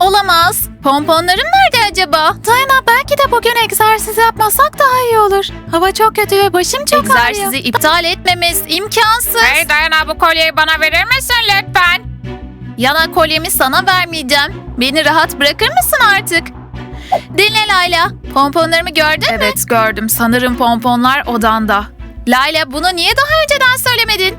Olamaz. Pomponlarım nerede acaba? Dayana, belki de bugün egzersiz yapmasak daha iyi olur. Hava çok kötü ve başım çok ağrıyor. Egzersizi iptal etmemiz imkansız. Hey Dayana, bu kolyeyi bana verir misin lütfen? Yana, kolyemi sana vermeyeceğim. Beni rahat bırakır mısın artık? Dinle Layla. Pomponlarımı gördün mü? Evet, gördüm. Sanırım pomponlar odanda. Layla, bunu niye daha önceden söylemedin?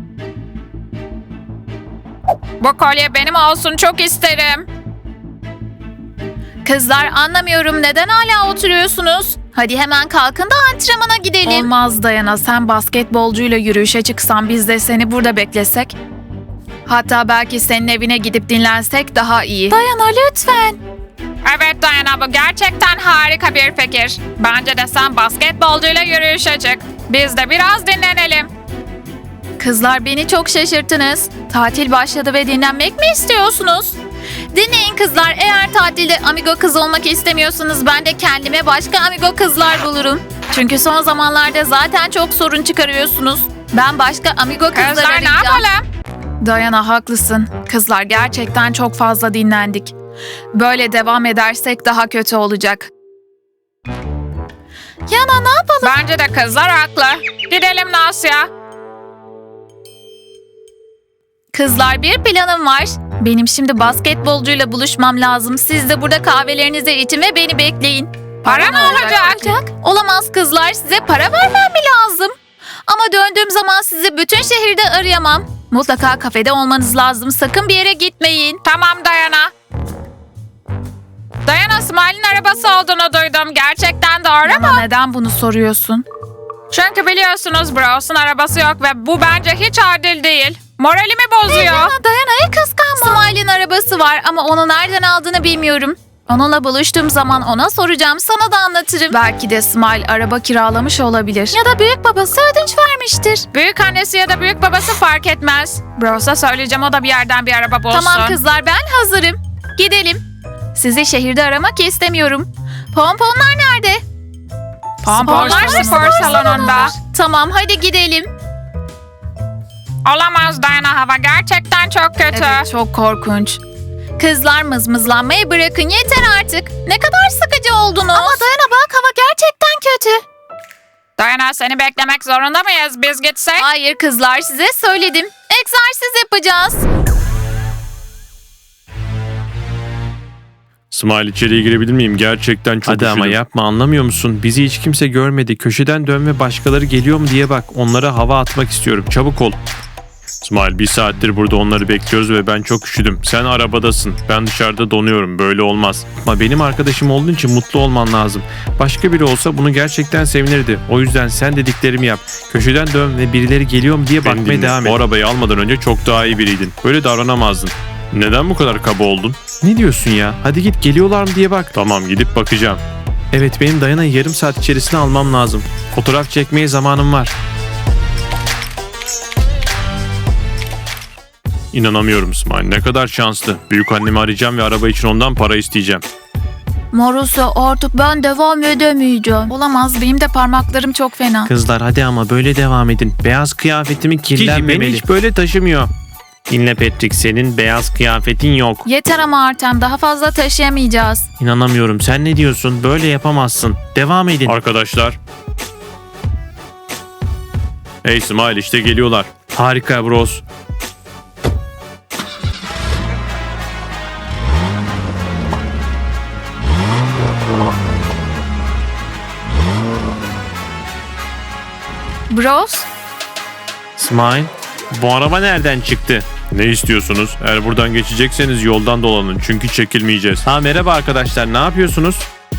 Bu kolye benim olsun, çok isterim. Kızlar, anlamıyorum, neden hala oturuyorsunuz? Hadi hemen kalkın da antrenmana gidelim. Olmaz Dayana, sen basketbolcuyla yürüyüşe çıksan biz de seni burada beklesek. Hatta belki senin evine gidip dinlensek daha iyi. Dayana, lütfen. Evet Dayana, bu gerçekten harika bir fikir. Bence de sen basketbolcuyla yürüyüşe çık. Biz de biraz dinlenelim. Kızlar, beni çok şaşırttınız. Tatil başladı ve dinlenmek mi istiyorsunuz? Dinleyin kızlar, eğer tatilde amigo kız olmak istemiyorsanız ben de kendime başka amigo kızlar bulurum. Çünkü son zamanlarda zaten çok sorun çıkarıyorsunuz. Ben başka amigo kızlar Kızlar, ne arayacağım. yapalım? Dayana, haklısın. Kızlar, gerçekten çok fazla dinlendik. Böyle devam edersek daha kötü olacak. Yana, ne yapalım? Bence de kızlar haklı. Gidelim Nasya. Kızlar, bir planım var. Benim şimdi basketbolcuyla buluşmam lazım. Siz de burada kahvelerinizi için ve beni bekleyin. Para mı olacak? Olamaz kızlar, size para vermem mi lazım? Ama döndüğüm zaman sizi bütün şehirde arayamam. Mutlaka kafede olmanız lazım. Sakın bir yere gitmeyin. Tamam Dayana. Dayana, Smile'in arabası olduğunu duydum. Gerçekten doğru mu? Ama neden bunu soruyorsun? Çünkü biliyorsunuz Bros'un arabası yok ve bu bence hiç adil değil. Moralimi bozuyor. Dayana'ya kıskanma. Smile'in arabası var ama onu nereden aldığını bilmiyorum. Onunla buluştuğum zaman ona soracağım, sana da anlatırım. Belki de Smile araba kiralamış olabilir. Ya da büyük babası ödünç vermiştir. Büyük annesi ya da büyük babası fark etmez. Bros'a söyleyeceğim, o da bir yerden bir araba bulsun. Tamam kızlar, ben hazırım. Gidelim. Sizi şehirde aramak istemiyorum. Pomponlar nerede? Pomponlar spor salonunda. Tamam, hadi gidelim. Olamaz Dayana, hava gerçekten çok kötü. Evet, çok korkunç. Kızlar, mızmızlanmayı bırakın, yeter artık. Ne kadar sıkıcı oldunuz. Ama Dayana bak, hava gerçekten kötü. Dayana, seni beklemek zorunda mıyız? Biz gitsek? Hayır kızlar, size söyledim. Egzersiz yapacağız. Smile, içeriye girebilir miyim? Gerçekten çok Hadi ama üşüdüm. yapma, anlamıyor musun? Bizi hiç kimse görmedi. Köşeden dön ve başkaları geliyor mu diye bak. Onlara hava atmak istiyorum. Çabuk ol. Smile, bir saattir burada onları bekliyoruz ve ben çok üşüdüm. Sen arabadasın. Ben dışarıda donuyorum. Böyle olmaz. Ama benim arkadaşım olduğun için mutlu olman lazım. Başka biri olsa bunu gerçekten sevinirdi. O yüzden sen dediklerimi yap. Köşeden dön ve birileri geliyor mu diye Beni bakmaya dinle. devam et. O arabayı almadan önce çok daha iyi biriydin. Böyle davranamazdın. Neden bu kadar kaba oldun? Ne diyorsun ya? Hadi git, geliyorlar mı diye bak. Tamam, gidip bakacağım. Evet, benim Dayana'yı yarım saat içerisinde almam lazım. Fotoğraf çekmeye zamanım var. İnanamıyorum Smile. Ne kadar şanslı. Büyük annemi arayacağım ve araba için ondan para isteyeceğim. Marusya, artık ben devam edemeyeceğim. Olamaz, benim de parmaklarım çok fena. Kızlar, hadi ama böyle devam edin. Beyaz kıyafetimi kirlenmemeli. beni hiç böyle taşımıyor. Dinle Patrick, senin beyaz kıyafetin yok. Yeter ama Artem, daha fazla taşıyamayacağız. İnanamıyorum. Sen ne diyorsun? Böyle yapamazsın. Devam edin. Arkadaşlar. Hey Smile, işte geliyorlar. Harika bros. Bros, Smile. Bu araba nereden çıktı? Ne istiyorsunuz? Eğer buradan geçecekseniz yoldan dolanın. Çünkü çekilmeyeceğiz. Ha, merhaba arkadaşlar. Ne yapıyorsunuz?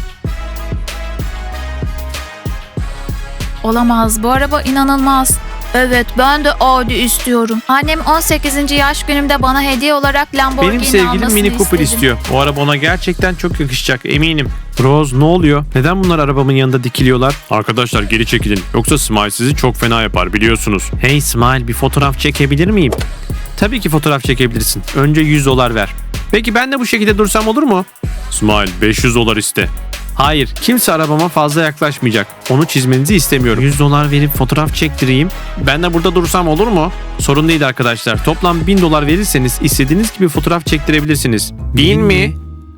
olamaz, bu araba inanılmaz. Evet, ben de Audi istiyorum. Annem 18. yaş günümde bana hediye olarak Lamborghini Benim sevgilim almasını Mini Cooper istedim. istiyor. O araba ona gerçekten çok yakışacak, eminim. Bros, ne oluyor? Neden bunlar arabamın yanında dikiliyorlar? Arkadaşlar, geri çekilin. Yoksa Smile sizi çok fena yapar, biliyorsunuz. Hey Smile, bir fotoğraf çekebilir miyim? Tabii ki fotoğraf çekebilirsin. Önce $100 ver. Peki ben de bu şekilde dursam olur mu? Smile, $500 iste. Hayır, kimse arabama fazla yaklaşmayacak. Onu çizmenizi istemiyorum. $100 verip fotoğraf çektireyim. Ben de burada dursam olur mu? Sorun değil arkadaşlar. Toplam $1000 verirseniz istediğiniz gibi fotoğraf çektirebilirsiniz. 1000 mi?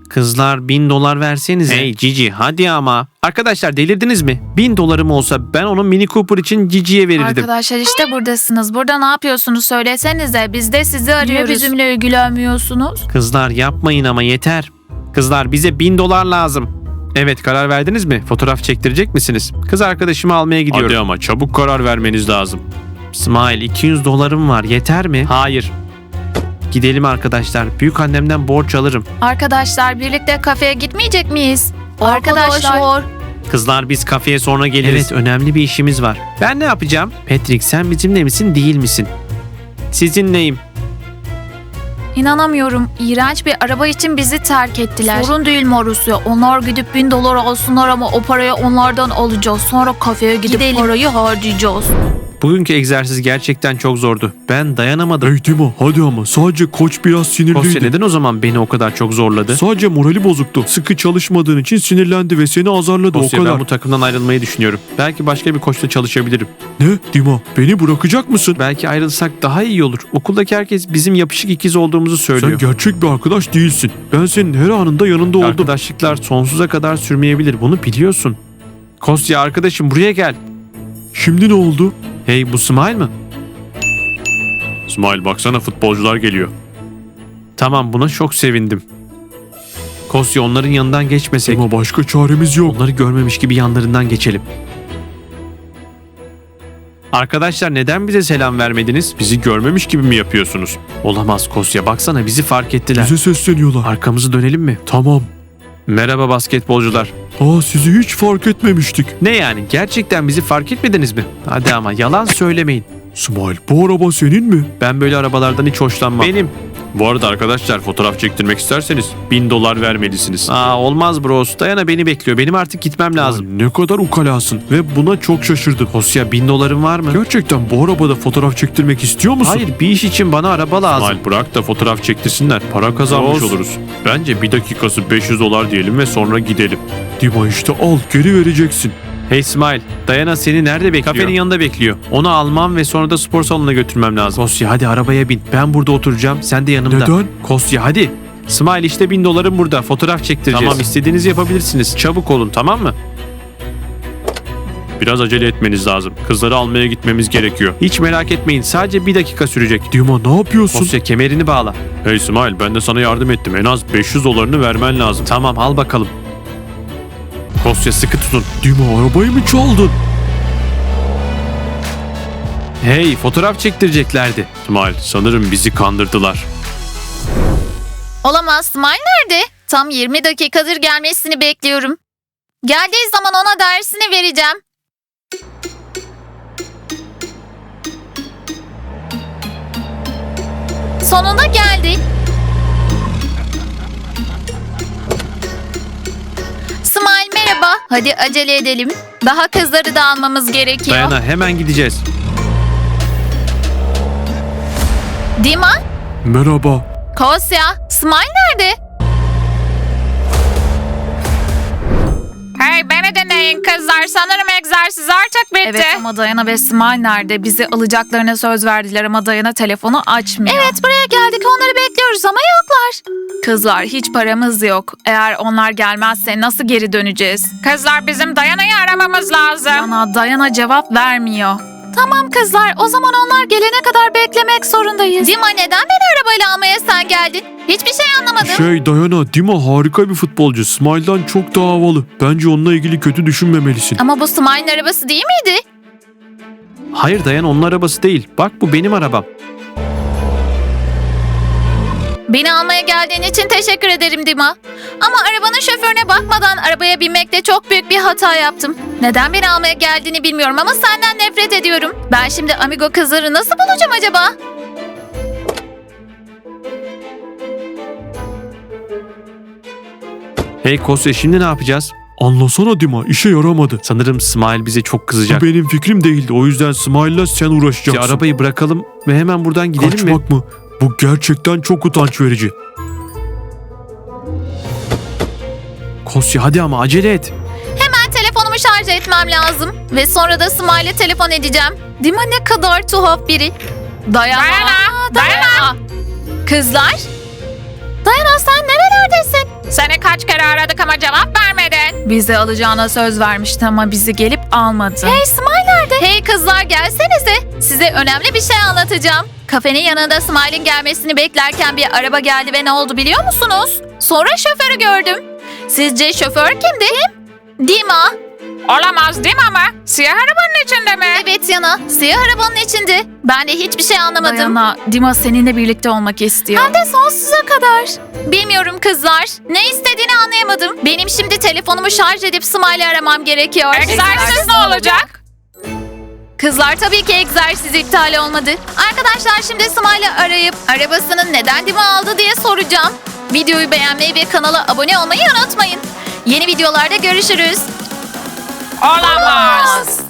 Kızlar 1000 dolar versenize. Hey Cici hadi ama. Arkadaşlar delirdiniz mi? 1000 dolarım olsa ben onun Mini Cooper için Cici'ye verirdim. Arkadaşlar işte buradasınız. Burada ne yapıyorsunuz söylesenize. Biz de sizi arıyoruz. Niye bizimle ilgilenmiyorsunuz? Kızlar yapmayın ama yeter. Kızlar bize 1000 dolar lazım. Evet karar verdiniz mi? Fotoğraf çektirecek misiniz? Kız arkadaşımı almaya gidiyorum. Hadi ama çabuk karar vermeniz lazım. Smile 200 dolarım var yeter mi? Hayır. Gidelim arkadaşlar. Büyük annemden borç alırım. Arkadaşlar birlikte kafeye gitmeyecek miyiz? Arkadaşlar. Kızlar biz kafeye sonra geliriz. Evet önemli bir işimiz var. Ben ne yapacağım? Patrick sen bizimle misin değil misin? Sizinleyim. İnanamıyorum. İğrenç bir araba için bizi terk ettiler. Sorun değil Marusya. Onlar gidip 1000 dolar alsınlar ama o parayı onlardan alacağız. Sonra kafeye gidip parayı harcayacağız. Bugünkü egzersiz gerçekten çok zordu. Ben dayanamadım. Hey Dima hadi ama sadece koç biraz sinirliydi. Kostya neden o zaman beni o kadar çok zorladı? Sadece morali bozuktu. Sıkı çalışmadığın için sinirlendi ve seni azarladı Kostya o kadar. ben bu takımdan ayrılmayı düşünüyorum. Belki başka bir koçla çalışabilirim. Ne Dima beni bırakacak mısın? Belki ayrılsak daha iyi olur. Okuldaki herkes bizim yapışık ikiz olduğumuzu söylüyor. Sen gerçek bir arkadaş değilsin. Ben senin her anında yanında oldum. Arkadaşlıklar sonsuza kadar sürmeyebilir. Bunu biliyorsun. Kostya arkadaşım buraya gel. Şimdi ne oldu? Hey bu Smile mı? İsmail baksana futbolcular geliyor. Tamam buna çok sevindim. Kostya onların yanından geçmesek. Ama başka çaremiz yok. Onları görmemiş gibi yanlarından geçelim. Arkadaşlar neden bize selam vermediniz? Bizi görmemiş gibi mi yapıyorsunuz? Olamaz Kostya baksana bizi fark ettiler. Bize sesleniyorlar. Arkamızı dönelim mi? Tamam. Merhaba basketbolcular. Sizi hiç fark etmemiştik. Ne yani gerçekten bizi fark etmediniz mi? Hadi ama yalan söylemeyin. İsmail bu araba senin mi? Ben böyle arabalardan hiç hoşlanmam. Benim. Bu arada arkadaşlar fotoğraf çektirmek isterseniz 1000 dolar vermelisiniz. Olmaz bros. Dayana beni bekliyor. Benim artık gitmem lazım. Ay, ne kadar ukalasın ve buna çok şaşırdım. Kostya 1000 doların var mı? Gerçekten bu arabada fotoğraf çektirmek istiyor musun? Hayır bir iş için bana araba lazım. İsmail bırak da fotoğraf çektirsinler. Para kazanmış Olsun. oluruz. Bence bir dakikası 500 dolar diyelim ve sonra gidelim. Dima işte al geri vereceksin. Hey Smile, Dayana seni nerede bekliyor? Kafenin yanında bekliyor. Onu almam ve sonra da spor salonuna götürmem lazım. Kostya hadi arabaya bin. Ben burada oturacağım. Sen de yanımda. Neden? Kostya hadi. Smile işte 1000 dolarım burada. Fotoğraf çektireceğiz. Tamam istediğinizi yapabilirsiniz. Çabuk olun tamam mı? Biraz acele etmeniz lazım. Kızları almaya gitmemiz gerekiyor. Hiç merak etmeyin. Sadece bir dakika sürecek. Dima ne yapıyorsun? Kostya kemerini bağla. Hey İsmail ben de sana yardım ettim. En az 500 dolarını vermen lazım. Tamam al bakalım. Kostya sıkı tutun. Dima arabayı mı çaldın? Hey fotoğraf çektireceklerdi. İsmail sanırım bizi kandırdılar. Olamaz. Smile nerede? Tam 20 dakikadır gelmesini bekliyorum. Geldiği zaman ona dersini vereceğim. Sonunda geldi. Smile merhaba. Hadi acele edelim. Daha kızları da almamız gerekiyor. Dayana hemen gideceğiz. Dima, Merhaba. Kosya, Smile nerede? Hey beni dinleyin kızlar. Sanırım egzersiz artık bitti. Evet ama Dayana ve Smile nerede? Bizi alacaklarına söz verdiler ama Dayana telefonu açmıyor. Evet buraya geldik onları bekliyoruz ama yoklar. Kızlar hiç paramız yok. Eğer onlar gelmezse nasıl geri döneceğiz? Kızlar bizim Dayana'yı aramamız lazım. Dayana cevap vermiyor. Tamam kızlar o zaman onlar gelene kadar beklemek zorundayız. Dima neden beni arabayla almaya sen geldin? Hiçbir şey anlamadım. Dayana, Dima harika bir futbolcu. Smile'dan çok daha havalı. Bence onunla ilgili kötü düşünmemelisin. Ama bu Smile'ın arabası değil miydi? Hayır Dayana onun arabası değil. Bak bu benim arabam. Beni almaya geldiğin için teşekkür ederim Dima. Ama arabanın şoförüne bakmadan arabaya binmekte çok büyük bir hata yaptım. Neden beni almaya geldiğini bilmiyorum ama senden nefret ediyorum. Ben şimdi amigo kızları nasıl bulacağım acaba? Hey Kosya şimdi ne yapacağız? Anlasana Dima, işe yaramadı. Sanırım Smile bize çok kızacak. Bu benim fikrim değildi. O yüzden Smile'la sen uğraşacaksın. Arabayı bırakalım ve hemen buradan gidelim mi? Kaçmak mı? Bu gerçekten çok utanç verici. Kosya hadi ama acele et. Hemen telefonumu şarj etmem lazım. Ve sonra da Smile'e telefon edeceğim. Dima ne kadar tuhaf biri. Dayana. Dayana. Kızlar. Dayana sen nerelerdesin? Seni Bizi alacağına söz vermişti ama bizi gelip almadı. Hey Smile nerede? Hey kızlar gelsenize. Size önemli bir şey anlatacağım. Kafenin yanında Smile'in gelmesini beklerken bir araba geldi ve ne oldu biliyor musunuz? Sonra şoförü gördüm. Sizce şoför kimdi? Dima. Olamaz değil mi ama? Siyah arabanın içinde mi? Evet Yana. Siyah arabanın içinde. Ben de hiçbir şey anlamadım. Dayana, Dima seninle birlikte olmak istiyor. Hem de sonsuza kadar. Bilmiyorum kızlar. Ne istediğini anlayamadım. Benim şimdi telefonumu şarj edip Smile'i aramam gerekiyor. Egzersiz ne olacak? Kızlar tabii ki egzersiz iptal olmadı. Arkadaşlar şimdi Smile'ı arayıp arabasının neden Dima aldı diye soracağım. Videoyu beğenmeyi ve kanala abone olmayı unutmayın. Yeni videolarda görüşürüz. Olamaz.